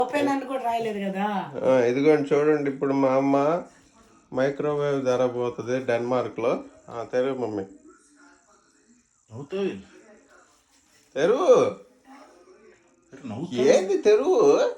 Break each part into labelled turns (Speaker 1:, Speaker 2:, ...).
Speaker 1: ఇదిగోండి చూడండి, ఇప్పుడు మా అమ్మ మైక్రోవేవ్ ధర పోతుంది డెన్మార్క్లో. తెరువు మమ్మీ, తెరువు. ఏంది తెరువు?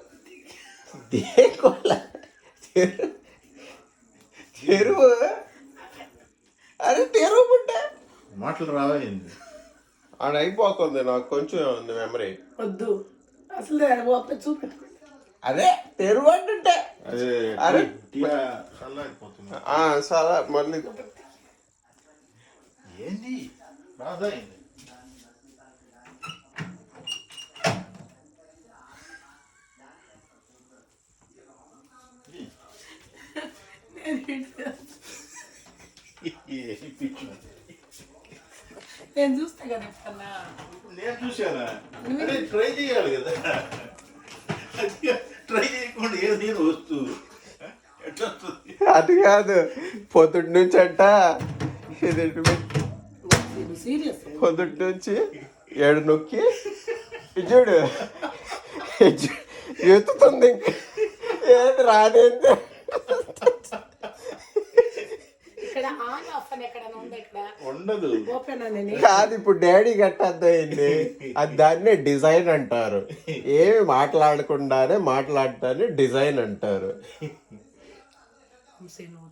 Speaker 1: తెరువు. అరే తెరువు పుట్టే
Speaker 2: మాటలు రావేంది?
Speaker 1: ఆడ అయిపోతుంది, నాకు కొంచెం ఉంది మెమరీ.
Speaker 3: వద్దు అసలు చూపెట్టు.
Speaker 1: అదే తెరువు అంటుంటే అరే సరే మళ్ళీ
Speaker 2: ఏంది రాదా?
Speaker 3: నేను చూస్తా కదా ఎప్పుడన్నా.
Speaker 2: నేను చూసానా? ట్రై చేయాలి కదా, ట్రై చేయకుండా ఏది వస్తువు ఎట్లా వస్తుంది?
Speaker 1: అది కాదు, పొద్దుటి నుంచి అంట పొద్దుటి నుంచి 7 నొక్కి చూడు ఎత్తుతుంది, ఇంక ఏది రాదేంటి.
Speaker 2: ఉండదు
Speaker 1: కాదు, ఇప్పుడు డాడీ కట్టద్దు, అది దాన్నే డిజైన్ అంటారు. ఏమి మాట్లాడకుండానే మాట్లాడటాన్ని డిజైన్ అంటారు.